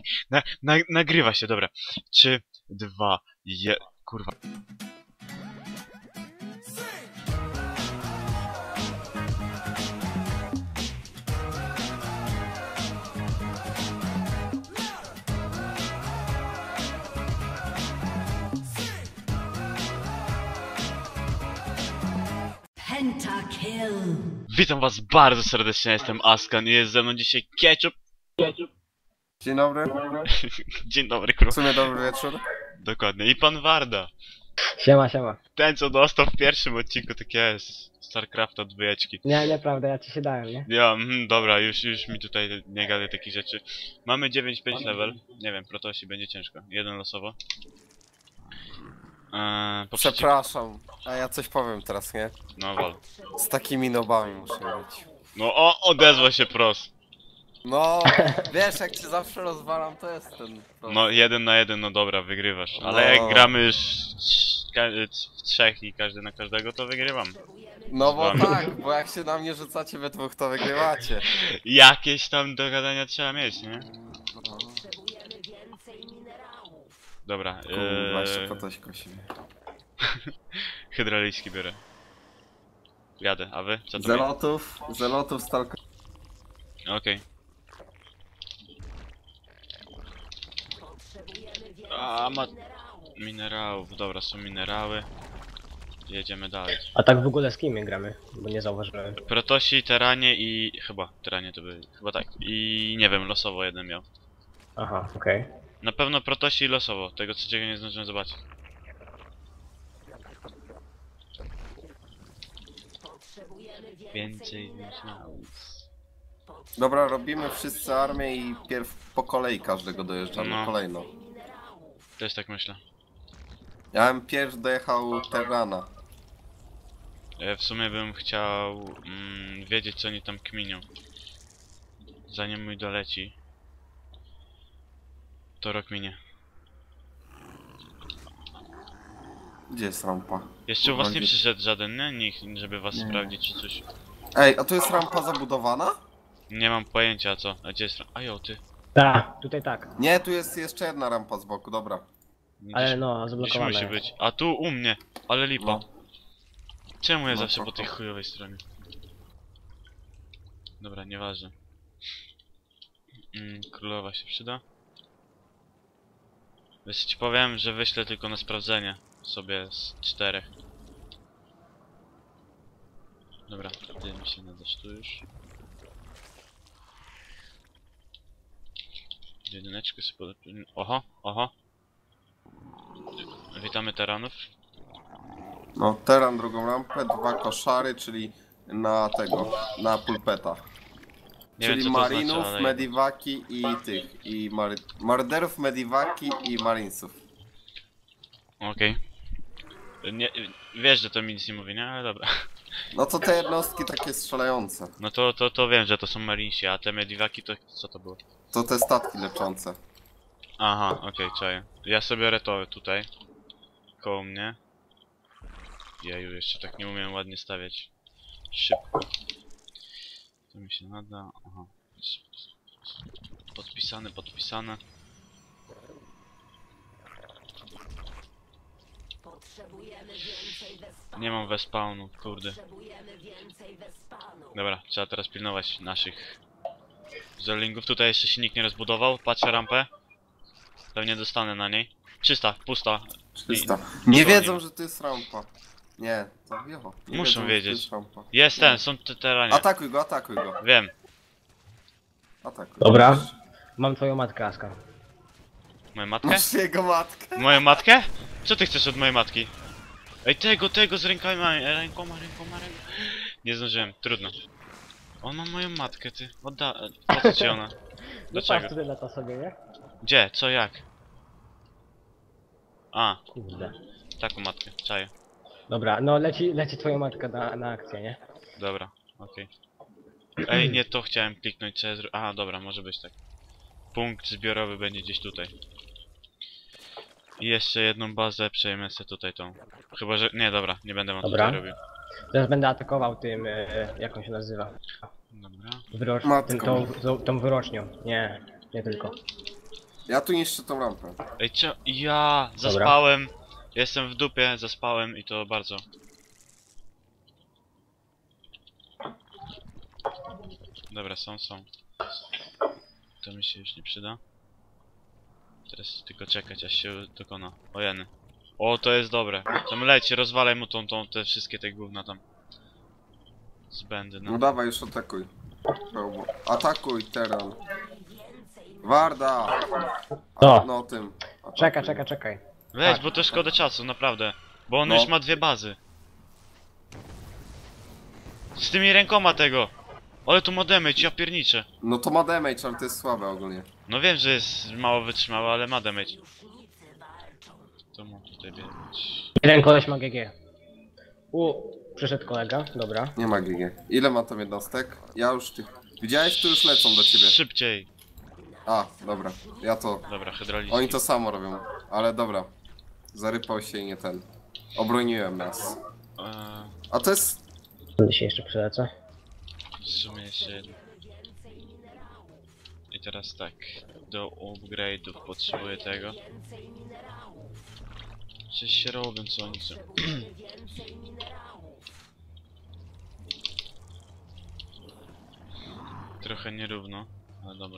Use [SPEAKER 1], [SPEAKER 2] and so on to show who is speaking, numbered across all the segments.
[SPEAKER 1] Nagrywa się, dobra. 3, 2, 1. Kurwa.
[SPEAKER 2] Pentakill.
[SPEAKER 1] Witam was bardzo serdecznie, jestem Askan i jest ze mną dzisiaj Ketchup.
[SPEAKER 3] Dzień dobry.
[SPEAKER 1] Dzień dobry,
[SPEAKER 3] W
[SPEAKER 1] kurwa.
[SPEAKER 3] sumie dobry wieczór.
[SPEAKER 1] Dokładnie. I pan Warda.
[SPEAKER 4] Siema, siema.
[SPEAKER 1] Ten, co dostał w pierwszym odcinku, tak jest. StarCrafta od dwójeczki.
[SPEAKER 4] Nie, nieprawda, ja ci się dałem, nie?
[SPEAKER 1] Ja, dobra, już mi tutaj nie gadaj takich rzeczy. Mamy 9-5 level. Nie wiem, protosi będzie ciężko. Jeden losowo.
[SPEAKER 3] Przepraszam, a ja coś powiem teraz, nie?
[SPEAKER 1] No wal.
[SPEAKER 3] Z takimi nobami muszę być.
[SPEAKER 1] No odezwał się pros.
[SPEAKER 3] No, wiesz, jak cię zawsze rozwalam, to jest ten...
[SPEAKER 1] No 1 na 1, no dobra, wygrywasz. Ale
[SPEAKER 3] No.
[SPEAKER 1] jak gramy już w trzech i każdy na każdego, to wygrywam.
[SPEAKER 3] No bo
[SPEAKER 1] Wam.
[SPEAKER 3] tak, bo jak się na mnie rzucacie we dwóch, to wygrywacie.
[SPEAKER 1] Jakieś tam dogadania trzeba mieć, nie? Dobra,
[SPEAKER 3] Kurwa, jeszcze po coś kosimy.
[SPEAKER 1] hydrauliczki biorę. Jadę, a wy? Co to
[SPEAKER 3] Zelotów, stalka...
[SPEAKER 1] Okej. A, minerałów, dobra, są minerały. Jedziemy dalej.
[SPEAKER 4] A tak w ogóle z kim my gramy? Bo nie zauważyłem.
[SPEAKER 1] Protosi, teranie i... chyba, teranie to były... chyba tak. I nie wiem, losowo jeden miał.
[SPEAKER 4] Aha, okej.
[SPEAKER 1] Na pewno protosi i losowo, tego trzeciego nie zdążyłem zobaczyć. Więcej minerałów.
[SPEAKER 3] Dobra, robimy wszyscy armię i pierw po kolei każdego dojeżdżamy
[SPEAKER 1] No.
[SPEAKER 3] kolejno.
[SPEAKER 1] Też tak myślę.
[SPEAKER 3] Ja bym pierw dojechał Terrana.
[SPEAKER 1] W sumie bym chciał wiedzieć, co oni tam kminią. Zanim mój doleci. To rok minie.
[SPEAKER 3] Gdzie jest rampa?
[SPEAKER 1] Jeszcze u was nie
[SPEAKER 3] Gdzie-
[SPEAKER 1] przyszedł żaden, nie? Nikt, żeby was
[SPEAKER 3] Nie.
[SPEAKER 1] sprawdzić czy coś.
[SPEAKER 3] Ej, a tu jest rampa zabudowana?
[SPEAKER 1] Nie mam pojęcia co. A gdzie jest... a jo, ty.
[SPEAKER 4] Tak, tutaj tak.
[SPEAKER 3] Nie, tu jest jeszcze jedna rampa z boku, dobra.
[SPEAKER 4] Ale no,
[SPEAKER 1] Gdzieś
[SPEAKER 4] zablokowane.
[SPEAKER 1] musi być. A tu u mnie. Ale lipa.
[SPEAKER 3] No.
[SPEAKER 1] Czemu ja
[SPEAKER 3] No,
[SPEAKER 1] zawsze po
[SPEAKER 3] spoko.
[SPEAKER 1] tej chujowej stronie? Dobra, nieważne. Królowa się przyda. Wiesz, ci powiem, że wyślę tylko na sprawdzenie sobie z 4. Dobra, ty mi się nadasz tu już. Jedyneczkę sobie podepnę. Oho, oho. Witamy teranów.
[SPEAKER 3] No, Terran drugą rampę, 2 koszary, czyli na tego, na pulpeta.
[SPEAKER 1] Nie wiem,
[SPEAKER 3] Czyli
[SPEAKER 1] co to
[SPEAKER 3] marinów,
[SPEAKER 1] znaczy, ale...
[SPEAKER 3] mediwaki i tych, i marderów, mediwaki i marinesów.
[SPEAKER 1] Okej. Nie, wiesz, że to mi nic nie mówi, nie? Ale dobra.
[SPEAKER 3] No to te jednostki takie strzelające.
[SPEAKER 1] No to wiem, że to są marinsi, a te mediwaki to co to było?
[SPEAKER 3] To te statki leczące.
[SPEAKER 1] Aha, okej, czaję. Ja sobie retowy tutaj. Koło mnie. Jeju, jeszcze tak nie umiem ładnie stawiać. Szybko. To mi się nada. Aha. Podpisane, podpisane. Nie mam wespawnu, kurde. Dobra, trzeba teraz pilnować naszych zerlingów. Tutaj jeszcze się nikt nie rozbudował. Patrzę rampę. Pewnie dostanę na niej. Czysta, pusta.
[SPEAKER 3] 300.
[SPEAKER 1] I-
[SPEAKER 3] Nie
[SPEAKER 1] to
[SPEAKER 3] wiedzą,
[SPEAKER 1] nie.
[SPEAKER 3] że to jest rampa. Nie, to wiecho. Nie
[SPEAKER 1] Muszą
[SPEAKER 3] wiedzą, że
[SPEAKER 1] wiedzieć.
[SPEAKER 3] To jest rampa.
[SPEAKER 1] Jest ten, są te teranie.
[SPEAKER 3] Atakuj go, atakuj go.
[SPEAKER 1] Wiem.
[SPEAKER 3] Atakuj.
[SPEAKER 4] Dobra. Mam twoją matkę, Aska.
[SPEAKER 1] Moją matkę?
[SPEAKER 3] Masz jego matkę?
[SPEAKER 1] Moją matkę? Co ty chcesz od mojej matki? Ej, tego z rękoma. Nie zdążyłem, trudno. On ma moją matkę, ty. Po co ci ona?
[SPEAKER 4] No patrz
[SPEAKER 1] Dlaczego?
[SPEAKER 4] tutaj lata sobie, nie?
[SPEAKER 1] Gdzie? Co, jak? A,
[SPEAKER 4] Kurde.
[SPEAKER 1] taką matkę, czaję.
[SPEAKER 4] Dobra, no leci twoja matka na akcję, nie?
[SPEAKER 1] Dobra, okej. Ej, nie to chciałem kliknąć, co ja A, dobra, może być tak. Punkt zbiorowy będzie gdzieś tutaj. I jeszcze jedną bazę przejmę sobie tutaj tą. Chyba, że... nie, dobra, nie będę wam
[SPEAKER 4] Dobra.
[SPEAKER 1] tutaj robił.
[SPEAKER 4] Teraz będę atakował tym, jak on się nazywa?
[SPEAKER 1] Dobra.
[SPEAKER 4] Wyrocz...
[SPEAKER 3] Matką.
[SPEAKER 4] tą wyrocznią. Nie, nie tylko.
[SPEAKER 3] Ja tu niszczę tą rampę.
[SPEAKER 1] Ej, ja zaspałem. Jestem w dupie, zaspałem i to bardzo. Dobra, są. To mi się już nie przyda. Teraz tylko czekać, aż się dokona. O jeny. O, to jest dobre. Tam leci, rozwalaj mu te wszystkie te gówna tam. Zbędne.
[SPEAKER 3] No dawaj, już atakuj. Atakuj, Teran. Warda!
[SPEAKER 4] No.
[SPEAKER 3] No tym. Atakuj.
[SPEAKER 4] Czekaj.
[SPEAKER 1] Weź, bo to szkoda czasu, naprawdę. Bo on
[SPEAKER 3] No.
[SPEAKER 1] już ma 2 bazy. Z tymi rękoma tego. Ale tu ma damage, ja pierniczę.
[SPEAKER 3] No to ma damage, ale to jest słabe ogólnie.
[SPEAKER 1] No wiem, że jest mało wytrzymałe, ale ma damage. To mu tutaj biegać.
[SPEAKER 4] Jeden koleś ma GG. Przyszedł kolega, dobra.
[SPEAKER 3] Nie ma GG. Ile ma tam jednostek? Ja już tych... Widziałeś? Tu już lecą do ciebie.
[SPEAKER 1] Szybciej.
[SPEAKER 3] A, dobra. Ja to...
[SPEAKER 1] Dobra, hydraulicznie.
[SPEAKER 3] Oni to samo robią. Ale dobra. Zarypał się i nie ten. Obroniłem nas. A to jest...
[SPEAKER 4] Dzisiaj jeszcze przylecę.
[SPEAKER 1] W sumie jeszcze jedno. I teraz tak. Do upgrade'ów potrzebuję tego. Coś się robią, co oni chcą. Trochę nierówno, ale dobra.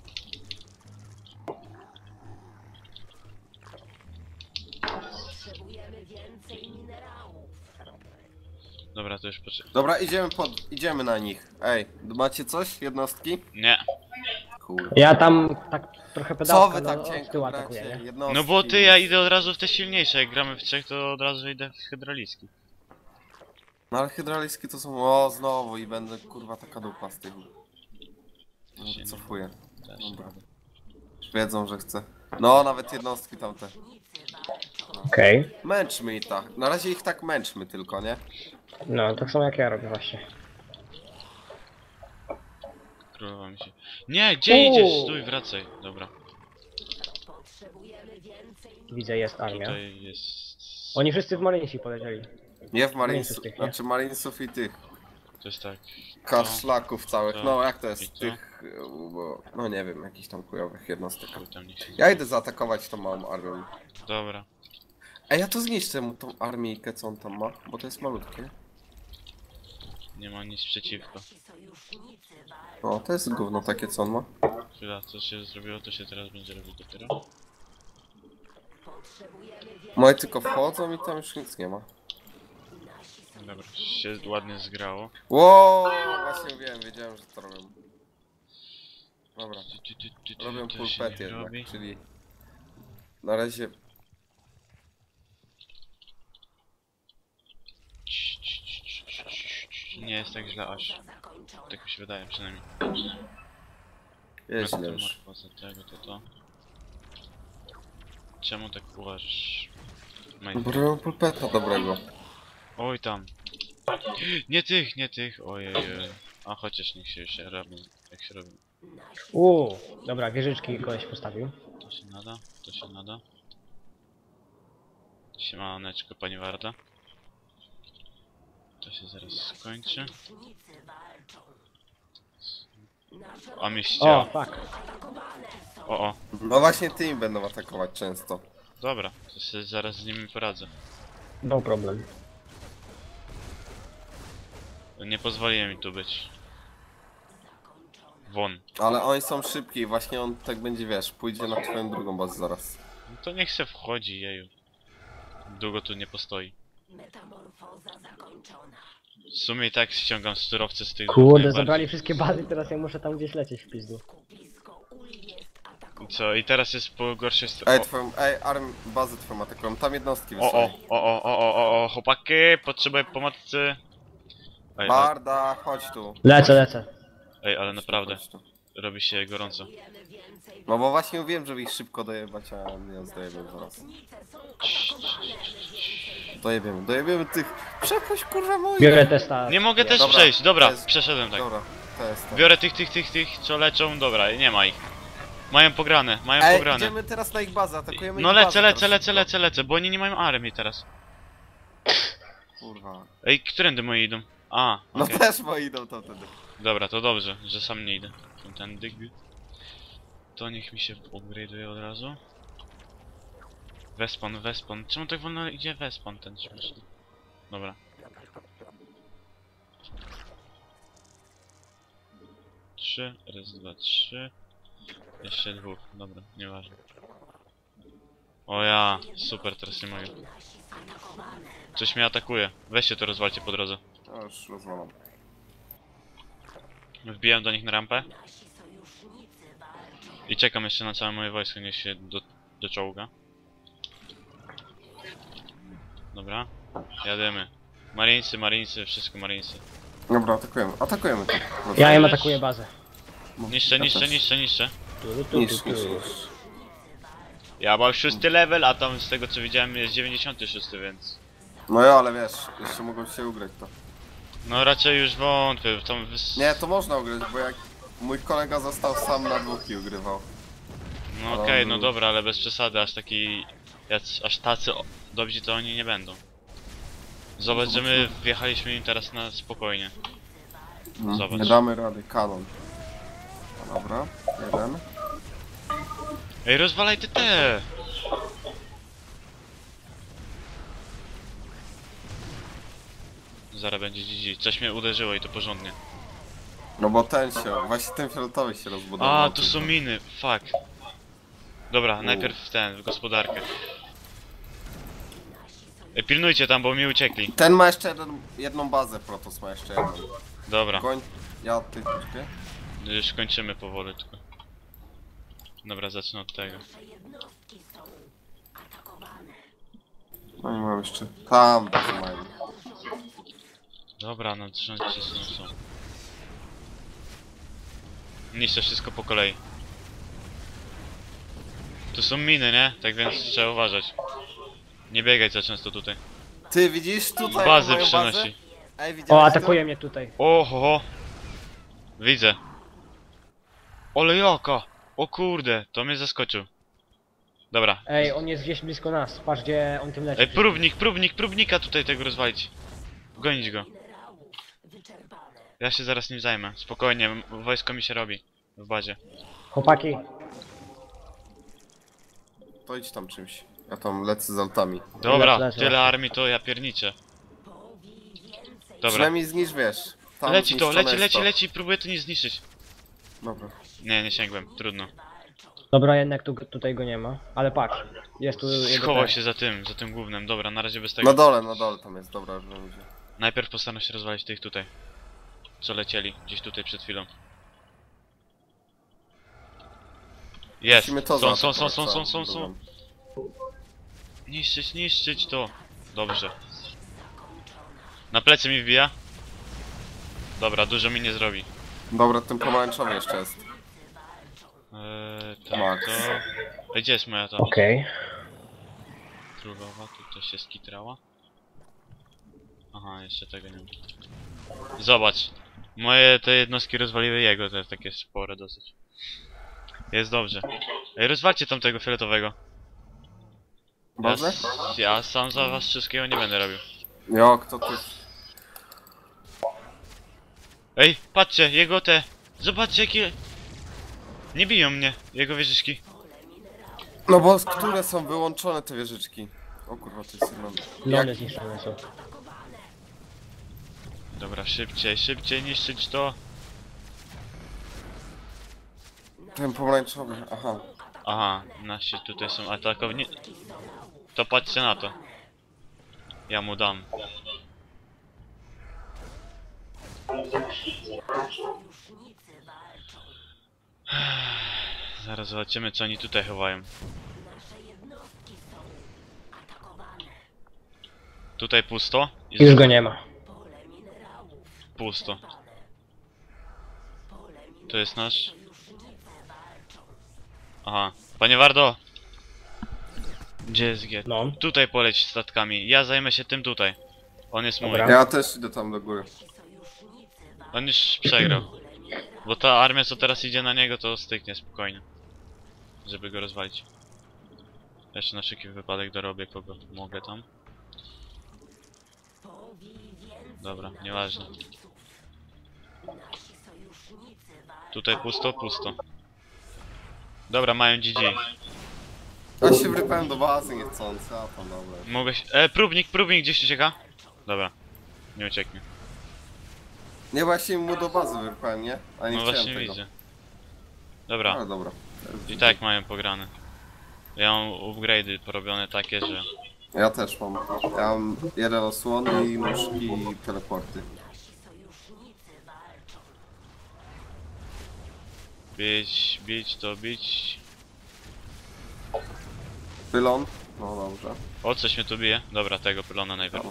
[SPEAKER 1] Dobra, to już poczekaj.
[SPEAKER 3] Dobra, idziemy na nich. Ej, macie coś? Jednostki?
[SPEAKER 1] Nie.
[SPEAKER 3] Kurde.
[SPEAKER 4] Ja tam tak trochę
[SPEAKER 3] Co
[SPEAKER 4] pedałka
[SPEAKER 3] wy tak
[SPEAKER 4] od
[SPEAKER 3] cienko
[SPEAKER 4] tyłu atakuję,
[SPEAKER 3] gracie?
[SPEAKER 4] nie?
[SPEAKER 3] Jednostki.
[SPEAKER 1] No bo ty, ja idę od razu w te silniejsze. Jak gramy w trzech, to od razu idę w hydraulicki.
[SPEAKER 3] No ale hydraulickie to są... O, znowu i będę kurwa taka dupa z tych. No,
[SPEAKER 1] Się nie-
[SPEAKER 3] cofuję.
[SPEAKER 1] Też.
[SPEAKER 3] Dobra. Już wiedzą, że chcę. No, nawet jednostki tamte.
[SPEAKER 4] Okej.
[SPEAKER 3] Męczmy ich tak. Na razie ich tak męczmy tylko, nie?
[SPEAKER 4] No, tak samo jak ja robię właśnie.
[SPEAKER 1] Królowa mi się... Nie, gdzie idziesz? Stój, wracaj. Dobra.
[SPEAKER 4] Widzę, jest armia.
[SPEAKER 1] Tutaj jest...
[SPEAKER 4] Oni wszyscy w Marinesi polecieli.
[SPEAKER 3] Nie w
[SPEAKER 4] Marinesów
[SPEAKER 3] Marinesów,
[SPEAKER 4] tych, nie?
[SPEAKER 3] znaczy Marinesów i tych
[SPEAKER 1] To jest tak.
[SPEAKER 3] kaszlaków całych,
[SPEAKER 1] to
[SPEAKER 3] no jak to
[SPEAKER 1] i
[SPEAKER 3] jest,
[SPEAKER 1] to.
[SPEAKER 3] tych, bo, no nie wiem, jakichś tam chujowych jednostek.
[SPEAKER 1] Tu tam nie się...
[SPEAKER 3] Ja idę zaatakować tą małą armią.
[SPEAKER 1] Dobra.
[SPEAKER 3] Ej, ja to zniszczę mu tą armijkę, co on tam ma, bo to jest malutkie.
[SPEAKER 1] Nie ma nic przeciwko.
[SPEAKER 3] O, to jest gówno takie, co on ma.
[SPEAKER 1] Chwila, co się zrobiło, to się teraz będzie robić dopiero.
[SPEAKER 3] Moje tylko wchodzą i tam już nic nie ma.
[SPEAKER 1] Dobra, się ładnie zgrało.
[SPEAKER 3] Wow, właśnie wiem, wiedziałem, że to robią. Dobra, robią
[SPEAKER 1] To się
[SPEAKER 3] pulpet
[SPEAKER 1] nie
[SPEAKER 3] jednak,
[SPEAKER 1] robi.
[SPEAKER 3] czyli... Na razie...
[SPEAKER 1] Nie jest tak źle aż. Tak mi się wydaje przynajmniej.
[SPEAKER 3] Jest źle już.
[SPEAKER 1] Poza tego to. Czemu tak uważasz?
[SPEAKER 3] Bo robią pulpeta dobrego.
[SPEAKER 1] Oj tam. Nie tych, ojej. A chociaż niech się robią, jak się robi.
[SPEAKER 4] Dobra, wieżyczki koleś postawił.
[SPEAKER 1] To się nada, to się nada. Siemaneczko, pani Warda. To się zaraz skończy. A mnie
[SPEAKER 4] O,
[SPEAKER 1] ścięło.
[SPEAKER 4] fuck.
[SPEAKER 1] O.
[SPEAKER 3] No właśnie tymi będą atakować często.
[SPEAKER 1] Dobra, to się zaraz z nimi poradzę.
[SPEAKER 4] No problem.
[SPEAKER 1] Nie pozwoliłem mi tu być. Won.
[SPEAKER 3] Ale oni są szybki i właśnie on tak będzie, wiesz, pójdzie na twoją drugą bazę zaraz.
[SPEAKER 1] No to niech se wchodzi, jeju. Długo tu nie postoi. W sumie i tak ściągam surowce z tych dwóch
[SPEAKER 4] Kurde,
[SPEAKER 1] najbardziej.
[SPEAKER 4] zabrali wszystkie bazy, teraz ja muszę tam gdzieś lecieć w pizdu.
[SPEAKER 1] I co? I teraz jest po gorszej stronie.
[SPEAKER 3] Ej, bazę twoją atakują, tam jednostki
[SPEAKER 1] O,
[SPEAKER 3] wysłali.
[SPEAKER 1] chłopaki, potrzebuję pomocy. Ej,
[SPEAKER 3] Barda, chodź tu.
[SPEAKER 4] Lecę.
[SPEAKER 1] ej, ale naprawdę,
[SPEAKER 3] Chodź tu.
[SPEAKER 1] robi się gorąco.
[SPEAKER 3] No bo właśnie mówiłem, żeby ich szybko dojebać, a nie zdojebiemy zaraz. Dojebiemy tych. Przepuść kurwa moich.
[SPEAKER 4] Biorę testa.
[SPEAKER 1] Nie mogę też
[SPEAKER 3] Dobra,
[SPEAKER 1] przejść, dobra,
[SPEAKER 3] to jest-
[SPEAKER 1] przeszedłem tak.
[SPEAKER 3] Dobra, to jest to.
[SPEAKER 1] Biorę tych, co leczą, dobra, nie ma ich. Mają pograne,
[SPEAKER 3] Ej,
[SPEAKER 1] pograne.
[SPEAKER 3] idziemy teraz na ich bazę, atakujemy
[SPEAKER 1] No
[SPEAKER 3] ich bazę
[SPEAKER 1] lecę,
[SPEAKER 3] teraz.
[SPEAKER 1] bo oni nie mają armii teraz.
[SPEAKER 3] Kurwa.
[SPEAKER 1] Ej, którędy moi idą? A,
[SPEAKER 3] No
[SPEAKER 1] okej.
[SPEAKER 3] też moi idą tam wtedy.
[SPEAKER 1] Dobra, to dobrze, że sam nie idę. Tędy. to niech mi się upgrade'uje od razu. Wespan, Wespan. Czemu tak wolno idzie Wespan ten śmieszny? Dobra. Trzy, raz, dwa, trzy. Jeszcze dwóch, dobra, nieważne. O ja, super, teraz nie mogę. Coś mnie atakuje. Weźcie to rozwalcie po drodze.
[SPEAKER 3] Ja już rozwalam.
[SPEAKER 1] Wbijam do nich na rampę. I czekam jeszcze na całe moje wojsko, niech się doczołga. Dobra, jadymy. Marinesy, Marinesy, wszystko Marinesy.
[SPEAKER 3] Dobra, atakujemy. Atakujemy to.
[SPEAKER 4] Ja im atakuję bazę.
[SPEAKER 1] Niszczę,
[SPEAKER 3] Ja
[SPEAKER 1] niszczę,
[SPEAKER 3] też.
[SPEAKER 1] niszczę, niszczę.
[SPEAKER 3] Niszcz.
[SPEAKER 1] Ja mam 6 level, a tam z tego co widziałem jest 96, więc...
[SPEAKER 3] No ja, ale wiesz, jeszcze mogą się ugrać to.
[SPEAKER 1] No raczej już wątpię, tam...
[SPEAKER 3] Nie, to można ugrać, bo jak mój kolega został sam na dwóch i ugrywał.
[SPEAKER 1] No okej, no dobra, ale bez przesady, aż taki... aż tacy dobrzy to oni nie będą. Zobacz, że my wjechaliśmy im teraz na spokojnie. Zobacz.
[SPEAKER 3] Nie damy rady, kanon. No dobra, jeden.
[SPEAKER 1] Ej, rozwalaj te! Zaraz będzie GG. Coś mnie uderzyło i to porządnie.
[SPEAKER 3] No bo ten się, właśnie ten fioletowy się rozbudował.
[SPEAKER 1] A, tu są miny, fuck. Dobra, najpierw w gospodarkę. Ej, pilnujcie tam, bo mi uciekli.
[SPEAKER 3] Ten ma jeszcze jedną bazę, Protoss ma jeszcze jedną.
[SPEAKER 1] Dobra,
[SPEAKER 3] Goń, ja ty troszkę.
[SPEAKER 1] już kończymy powoli tylko. Dobra, zacznę od tego.
[SPEAKER 3] No nie mam jeszcze. Tam bazę mają.
[SPEAKER 1] Dobra, no trząście są. Niszczę wszystko po kolei. Tu są miny, nie? Tak więc trzeba uważać. Nie biegaj za często tutaj.
[SPEAKER 3] Ty widzisz tutaj
[SPEAKER 1] Bazy
[SPEAKER 3] moją
[SPEAKER 1] przenosi.
[SPEAKER 3] bazę? Ej,
[SPEAKER 4] O,
[SPEAKER 3] widziałeś
[SPEAKER 4] atakuje mnie tutaj.
[SPEAKER 1] Oho! Widzę. Ole jaka! O kurde, to mnie zaskoczył. Dobra.
[SPEAKER 4] Ej, on jest gdzieś blisko nas. Patrz gdzie on tym leci.
[SPEAKER 1] Ej, próbnika tutaj tego rozwalić. Gonić go. Ja się zaraz nim zajmę. Spokojnie, wojsko mi się robi. W bazie.
[SPEAKER 4] Chłopaki,
[SPEAKER 3] To idź tam czymś. Ja tam lecę z altami.
[SPEAKER 1] Dobra,
[SPEAKER 4] Lecę.
[SPEAKER 1] tyle armii to ja pierniczę. Dobra.
[SPEAKER 3] Przynajmniej zniszcz, wiesz. Tam
[SPEAKER 1] Leci to,
[SPEAKER 3] zniszczone jest to.
[SPEAKER 1] leci, próbuję to nie zniszczyć.
[SPEAKER 3] Dobra.
[SPEAKER 1] Nie sięgłem, trudno.
[SPEAKER 4] dobra, jednak tutaj go nie ma. Ale patrz, jest tu jego
[SPEAKER 1] Schował
[SPEAKER 4] ten.
[SPEAKER 1] się za tym głównym. Dobra, na razie bez tego.
[SPEAKER 3] Na dole tam jest, dobra, że będzie.
[SPEAKER 1] Najpierw postaram się rozwalić tych tutaj. Co lecieli, gdzieś tutaj przed chwilą. Jest!
[SPEAKER 3] Musimy to
[SPEAKER 1] Są.
[SPEAKER 3] zaatakować całą drugą.
[SPEAKER 1] Niszczyć to. Dobrze. Na plecy mi wbija. Dobra, dużo mi nie zrobi.
[SPEAKER 3] Dobra, ten pomarańczowy jeszcze jest.
[SPEAKER 1] Tak,
[SPEAKER 3] Max.
[SPEAKER 1] to... Ej, gdzie jest moja ta
[SPEAKER 4] Okej.
[SPEAKER 1] królowa? Tu też się skitrała. Aha, jeszcze tego nie ma. Zobacz. Moje te jednostki rozwaliły jego, te takie spore dosyć. Jest dobrze. Ej, rozwalcie tamtego fioletowego.
[SPEAKER 3] Bazę?
[SPEAKER 1] Ja sam za was wszystkiego nie będę robił.
[SPEAKER 3] Jo, kto ty?
[SPEAKER 1] Ej, patrzcie, jego te... Zobaczcie jakie... Nie biją mnie, jego wieżyczki.
[SPEAKER 3] No bo które są wyłączone te wieżyczki? O kurwa, to jest sygnał.
[SPEAKER 4] Lony zniszczone są.
[SPEAKER 1] Dobra, szybciej niszczyć to.
[SPEAKER 3] Ten pomarańczowy, aha.
[SPEAKER 1] Aha, nasi tutaj są atakowni. To patrzcie na to. Ja mu dam. Zaraz zobaczymy co oni tutaj chowają. Tutaj pusto.
[SPEAKER 4] Już go nie ma.
[SPEAKER 1] Pusto. To jest nasz. Aha. Panie Wardo! Gdzie jest G?
[SPEAKER 4] No.
[SPEAKER 1] Tutaj poleć statkami. Ja zajmę się tym tutaj. On jest mój.
[SPEAKER 4] Dobra.
[SPEAKER 3] Ja też idę tam do góry.
[SPEAKER 1] On już przegrał. Bo ta armia co teraz idzie na niego to styknie spokojnie. Żeby go rozwalić. Jeszcze na wszelki wypadek dorobię kogo mogę tam. Dobra, nieważne. Tutaj pusto. Dobra, mają GG.
[SPEAKER 3] Ja się wrypałem do bazy niechcący, a to dobra.
[SPEAKER 1] Mogę się... próbnik gdzieś ucieka? Dobra. Nie ucieknie.
[SPEAKER 3] Nie, właśnie mu do bazy wrypałem, nie? A nie
[SPEAKER 1] No
[SPEAKER 3] chciałem
[SPEAKER 1] właśnie
[SPEAKER 3] tego.
[SPEAKER 1] widzę. Dobra.
[SPEAKER 3] Ale dobra.
[SPEAKER 1] I tak mają pograne. Ja mam upgrade'y porobione takie, że...
[SPEAKER 3] Ja też mam. Ja mam jeden osłony i nóżki i teleporty.
[SPEAKER 1] Bić to bić.
[SPEAKER 3] Pylon? No dobrze.
[SPEAKER 1] O, coś mnie tu bije. Dobra, tego pylona najpierw.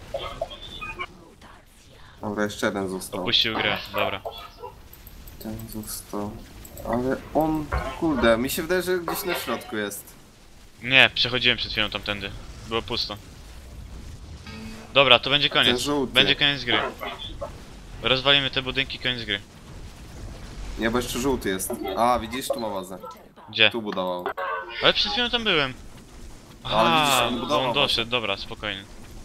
[SPEAKER 3] Dobra, jeszcze jeden został.
[SPEAKER 1] Opuścił grę, dobra.
[SPEAKER 3] Ten został. Ale on, kurde, mi się wydaje, że gdzieś na środku jest.
[SPEAKER 1] Nie, przechodziłem przed chwilą tamtędy. Było pusto. Dobra, to będzie
[SPEAKER 3] Ten
[SPEAKER 1] koniec.
[SPEAKER 3] żółty.
[SPEAKER 1] Będzie koniec gry. Rozwalimy te budynki, koniec gry.
[SPEAKER 3] Nie, bo jeszcze żółty jest. A, widzisz, tu ma bazę.
[SPEAKER 1] Gdzie?
[SPEAKER 3] Tu budował.
[SPEAKER 1] Ale przed chwilą tam byłem.
[SPEAKER 3] Ale widzisz,
[SPEAKER 1] Aha,
[SPEAKER 3] on
[SPEAKER 1] bo
[SPEAKER 3] budował
[SPEAKER 1] on
[SPEAKER 3] bazę.
[SPEAKER 1] doszedł, dobra, spokojnie.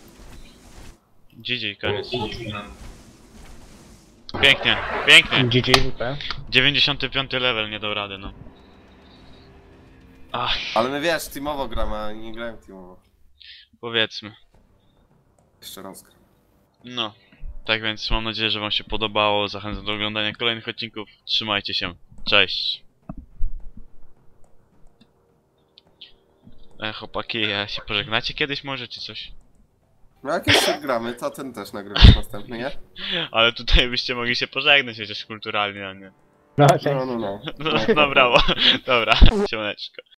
[SPEAKER 1] GG, koniec. Pięknie, pięknie.
[SPEAKER 4] GG, WP.
[SPEAKER 1] 95 level, nie dał rady, no. Ach,
[SPEAKER 3] Ale my wiesz, teamowo gramy, a nie grałem teamowo.
[SPEAKER 1] powiedzmy.
[SPEAKER 3] Jeszcze raz gram.
[SPEAKER 1] No. Tak więc mam nadzieję, że wam się podobało. Zachęcam do oglądania kolejnych odcinków. Trzymajcie się. Cześć. Chłopaki, a się pożegnacie kiedyś może, czy coś?
[SPEAKER 3] No jak jeszcze gramy, to ten też nagrywasz następny, nie?
[SPEAKER 1] Ale tutaj byście mogli się pożegnać chociaż kulturalnie, a nie.
[SPEAKER 4] No, cześć.
[SPEAKER 3] No.
[SPEAKER 1] No, no brawo. Dobra, siemaneczko.